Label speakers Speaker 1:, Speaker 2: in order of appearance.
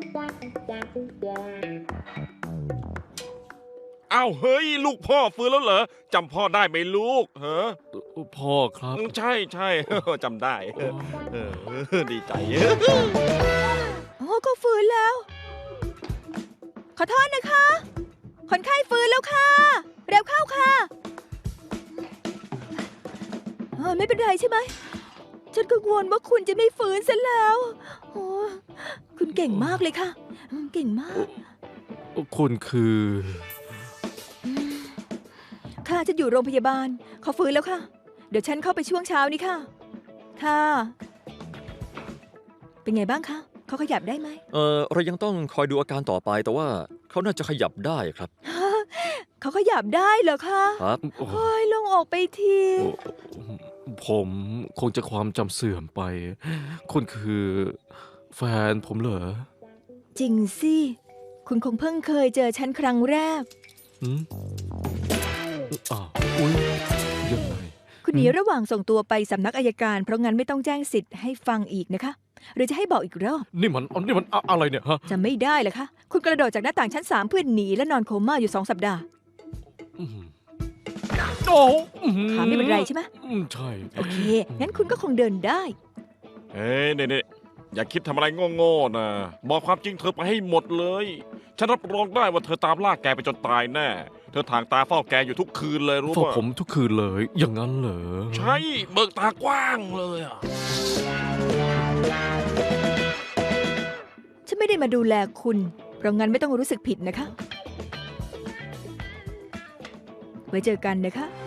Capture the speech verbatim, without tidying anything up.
Speaker 1: อ้าวเฮ้ยลูกพ่อฟื้นแล้วเหรอจำพ่อได้ไหมลูกเฮ้อ
Speaker 2: พ่อครับ
Speaker 1: ใช่ใช่จำได้เออดีใจ
Speaker 3: โอ้ก็ฟื้นแล้ว ขอโทษนะคะ คนไข้ฟื้นแล้วค่ะ เร็วเข้าค่ะเออไม่เป็นไรใช่ไหม ฉันกังวลว่าคุณจะไม่ฟื้นซะแล้วโอ้คุณเก่งมากเลยค่ะ เก่งมาก
Speaker 2: คุณคือ
Speaker 3: ค่ะจะอยู่โรงพยาบาลเขาฟื้นแล้วค่ะ เดี๋ยวฉันเข้าไปช่วงเช้านี้ค่ะ ค่ะ เป็นไงบ้างคะเขาขยับได้ไหม
Speaker 4: เออเรายังต้องคอยดูอาการต่อไปแต่ว่าเขาน่าจะขยับได้ครับ
Speaker 3: เขาขยับได้เหรอคะ
Speaker 4: ครับ
Speaker 3: โอ้ยลงออกไปที
Speaker 2: ผมคงจะความจำเสื่อมไป คุณคือแฟนผมเหรอ
Speaker 3: จริงสิ คุณคงเพิ่งเคยเจอฉันครั้งแรก
Speaker 2: อืมอ้าวอุ้ยยังไง
Speaker 3: คุณหนีระหว่างส่งตัวไปสำนักอัยการเพราะงั้นไม่ต้องแจ้งสิทธิ์ให้ฟังอีกนะคะ หรือจะให้บอกอีกรอบ
Speaker 2: นี่มันนี่มันอะอะไรเนี่ยฮะ
Speaker 3: จะไม่ได้เหรอคะ คุณกระโดดจากหน้าต่างชั้นสามเพื่อหนีและนอนโคม่าอยู่สองสัปดาห์
Speaker 2: อืมโอ้อื้อหือ
Speaker 3: ขาไม่เป็นไรใช่ไหม
Speaker 2: อืมใช่
Speaker 3: โอเค งั้นคุณก็คงเดินได้
Speaker 1: เฮ้ยเนี่ยอย่าคิดทำอะไรโง่ๆนะบอกความจริงเธอไปให้หมดเลยฉันรับรองได้ว่าเธอตามล่าแกไปจนตายแน่เธอทางตาเฝ้าแกอยู่ทุกคืนเลยรู้
Speaker 2: เฝ้า
Speaker 1: ป่ะ
Speaker 2: ผมทุกคืนเลย อย่างนั้นเหรอ
Speaker 1: ใช่เบิกตากว้างเลยอ่ะ
Speaker 3: ฉันไม่ได้มาดูแลคุณ เพราะงั้นไม่ต้องรู้สึกผิดนะคะ ไว้เจอกันนะคะ